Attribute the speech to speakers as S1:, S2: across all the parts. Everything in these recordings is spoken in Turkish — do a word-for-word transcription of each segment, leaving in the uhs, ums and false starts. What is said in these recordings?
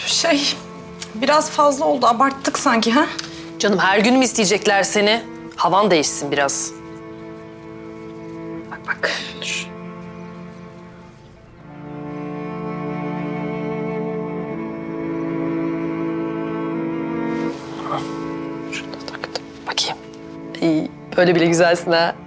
S1: Şey, biraz fazla oldu. Abarttık sanki ha?
S2: Canım her gün mü isteyecekler seni? Havan değişsin biraz. Bak bak. Dur. Şunu da taktım. Bakayım. İyi, böyle bile güzelsin ha.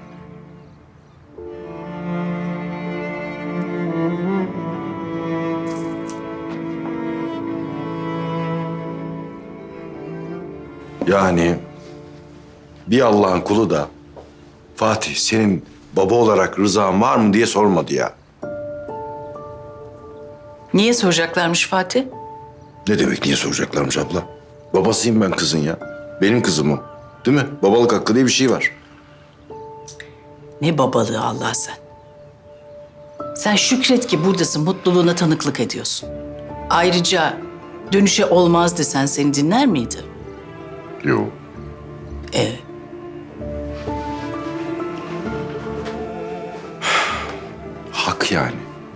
S3: Yani bir Allah'ın kulu da Fatih senin baba olarak rızan var mı diye sormadı ya.
S4: Niye soracaklarmış Fatih?
S3: Ne demek niye soracaklarmış abla? Babasıyım ben kızın ya. Benim kızım o. Değil mi? Babalık hakkı diye bir şey var.
S4: Ne babalığı Allah sen. Sen şükret ki buradasın, mutluluğuna tanıklık ediyorsun. Ayrıca dönüşe olmaz desen seni dinler miydi?
S3: Yok.
S4: E
S3: Hak yani.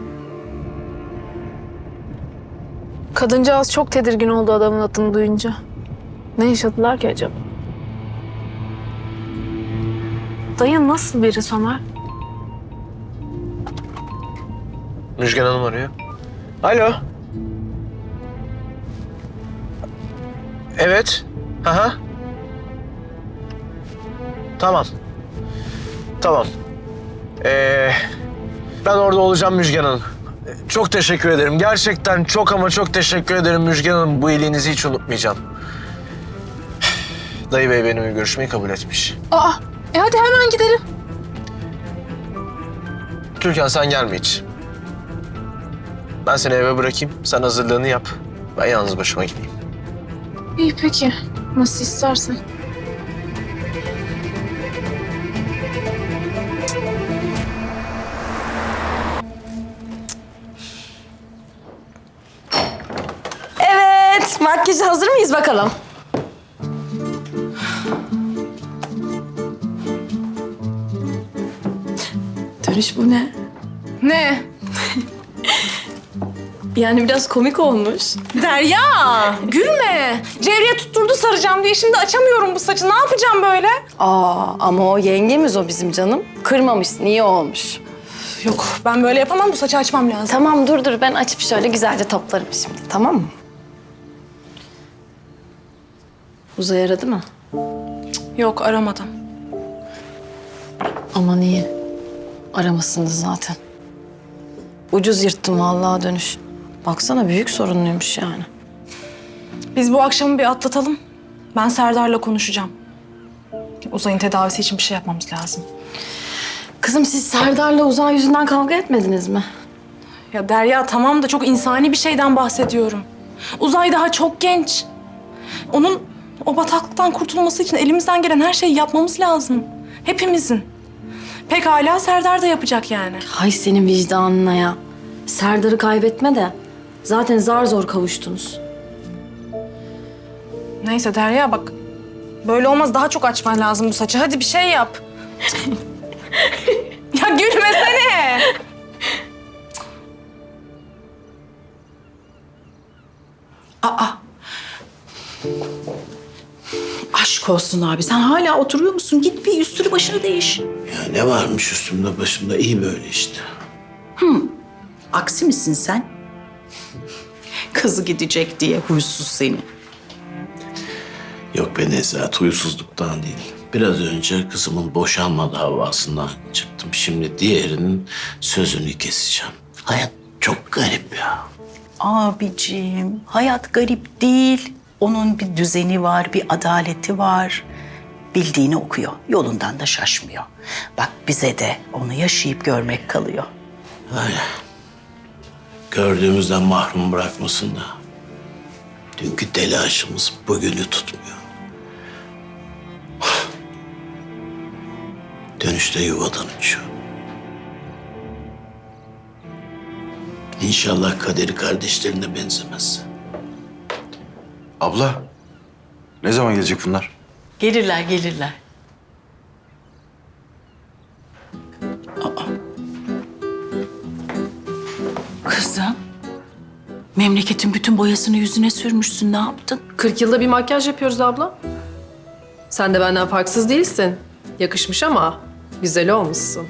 S5: Kadıncağız çok tedirgin oldu adamın adını duyunca. Ne yaşadılar ki acaba? Dayı nasıl biri Somer?
S6: Müjgan Hanım arıyor. Alo. Evet. Aha. Tamam. Tamam. Ee, ben orada olacağım Müjgan Hanım. Çok teşekkür ederim. Gerçekten çok ama çok teşekkür ederim Müjgan Hanım. Bu iyiliğinizi hiç unutmayacağım. Dayı Bey benimle görüşmeyi kabul etmiş.
S5: Aa, e hadi hemen gidelim.
S6: Türkan sen gelme hiç. Ben seni eve bırakayım. Sen hazırlığını yap. Ben yalnız başıma gideyim.
S5: İyi peki. Nasıl istersen.
S2: Evet, makyaja hazır mıyız bakalım? Dönüş bu ne?
S1: Ne?
S2: Yani biraz komik olmuş.
S1: Derya, gülme. Cevriye tutturdu saracağım diye şimdi açamıyorum bu saçı. Ne yapacağım böyle?
S2: Aa, ama o yengemiz o bizim canım. Kırmamışsın, iyi olmuş.
S1: Yok, ben böyle yapamam. Bu saçı açmam lazım.
S2: Tamam dur dur, ben açıp şöyle güzelce toplarım şimdi, tamam mı? Uzay aradı mı?
S1: Yok, aramadım.
S2: Aman iyi. Aramasındı zaten. Ucuz yırttım vallahi dönüş. Baksana büyük sorunluymuş yani.
S1: Biz bu akşamı bir atlatalım. Ben Serdar'la konuşacağım. Uzay'ın tedavisi için bir şey yapmamız lazım.
S2: Kızım siz Serdar'la Uzay yüzünden kavga etmediniz mi?
S1: Ya Derya tamam da çok insani bir şeyden bahsediyorum. Uzay daha çok genç. Onun o bataklıktan kurtulması için elimizden gelen her şeyi yapmamız lazım. Hepimizin. Pekala Serdar da yapacak yani.
S2: Hay senin vicdanına ya. Serdar'ı kaybetme de. Zaten zar zor kavuştunuz.
S1: Neyse Derya bak. Böyle olmaz, daha çok açman lazım bu saçı. Hadi bir şey yap. Ya gülmesene.
S4: Aa. Aşk olsun abi. Sen hala oturuyor musun? Git bir üstünü başını değiş.
S7: Ya ne varmış üstümde başımda iyi böyle işte.
S4: Aksi misin sen? Kızı gidecek diye huysuz seni.
S7: Yok be Nezahat huysuzluktan değil. Biraz önce kızımın boşanma davasından çıktım. Şimdi diğerinin sözünü keseceğim. Hayat çok garip ya.
S4: Abicim, hayat garip değil. Onun bir düzeni var, bir adaleti var. Bildiğini okuyor, yolundan da şaşmıyor. Bak bize de onu yaşayıp görmek kalıyor.
S7: Öyle. Gördüğümüzden mahrum bırakmasın da. Dünkü telaşımız bugünü tutmuyor. Dönüşte yuvadan uçuyor. İnşallah kaderi kardeşlerine benzemez.
S3: Abla ne zaman gelecek bunlar?
S4: Gelirler, gelirler. Aa. Kızım, Memleketin bütün boyasını yüzüne sürmüşsün. Ne yaptın?
S8: kırk yılda bir makyaj yapıyoruz abla. Sen de benden farksız değilsin. Yakışmış ama güzel olmuşsun.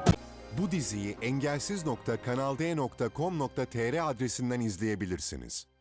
S9: Bu diziyi engelsiz nokta kanal d nokta com nokta tr adresinden izleyebilirsiniz.